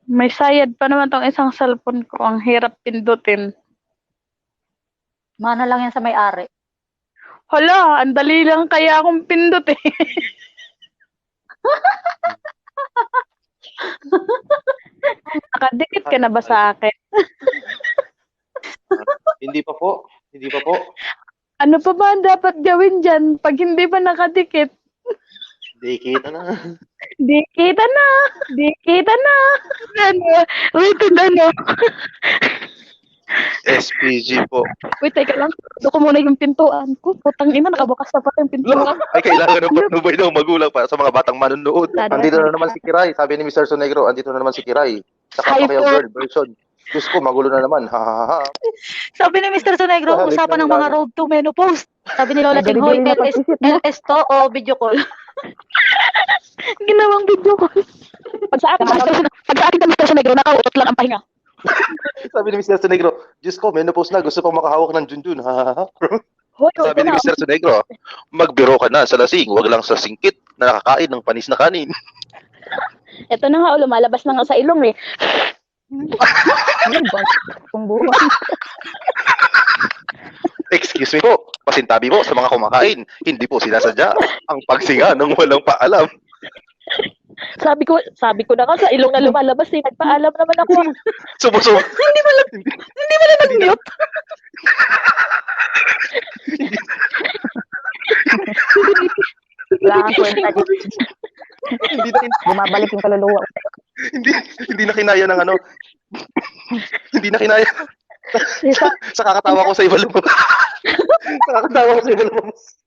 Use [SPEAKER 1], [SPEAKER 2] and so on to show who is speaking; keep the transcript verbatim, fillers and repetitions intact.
[SPEAKER 1] May sayad pa naman tong isang cellphone ko. Ang hirap pindutin.
[SPEAKER 2] Mana lang yan sa may-ari.
[SPEAKER 1] Hala, ang dali lang kaya akong pindutin. Nakadikit ka na ba sa akin?
[SPEAKER 3] Hindi pa po. Hindi pa po.
[SPEAKER 1] Ano pa ba ang dapat gawin dyan pag hindi pa nakadikit?
[SPEAKER 3] Di kita na.
[SPEAKER 1] Di kita na! Di kita na! Ano? Wait, ano?
[SPEAKER 3] S P G po.
[SPEAKER 1] Wait, teka lang. Doon ko muna yung pintuan ko. Putang ina, nakabukas na pa yung pintuan.
[SPEAKER 3] Ay, kailangan ng patnubay ng magulang para sa mga batang manunood. Andito na naman si Kiray. Sabi ni mister Sonegro, andito na naman si Kiray. Saka
[SPEAKER 1] Hi
[SPEAKER 3] pa kayo
[SPEAKER 1] po.
[SPEAKER 3] girl version. Diyos ko, magulo na naman. Ha, ha, ha.
[SPEAKER 2] Sabi ni mister Sonegro,
[SPEAKER 3] Balik
[SPEAKER 2] usapan
[SPEAKER 3] na
[SPEAKER 2] ng mga
[SPEAKER 3] lang.
[SPEAKER 2] road to menopause. Sabi ni Lola Ching, hoy, L S, L S to o video call?
[SPEAKER 1] Ginawang video ko. Pag sa akin, pag sa akin, mister Negro, nakautot lang ang pahinga.
[SPEAKER 3] Sabi ni mister Sonegro, Diyos ko, menopause na. Gusto pang makahawak ng junjun. Ha, ha, ha.
[SPEAKER 1] Hoy,
[SPEAKER 3] Sabi ni mister Sonegro, magbiro ka na sa lasing. Huwag lang sa singkit na nakakain ng panis na kanin.
[SPEAKER 1] Ito na nga, oh, lumalabas na nga sa ilong eh.
[SPEAKER 2] Ano ba? Kung buwan.
[SPEAKER 3] Excuse me po, pasintabi po sa mga kumakain. Hindi po sinasadya ang pagsinga ng walang paalam.
[SPEAKER 1] Sabi ko, sabi ko na nga sa ilong na lumalabas eh. Nagpaalam naman ako.
[SPEAKER 3] Sumusub.
[SPEAKER 1] Hindi mo lang, hindi mo lang nag-mute.
[SPEAKER 2] Wala kang kwenta dito.
[SPEAKER 3] Hindi na,
[SPEAKER 2] Bumabalik yung kaluluwa ko.
[SPEAKER 3] hindi, hindi na kinaya ng ano. Hindi na kinaya. Sa, sa kakatawa ko sa iba lumabas. sa kakatawa ko sa iba lumabas.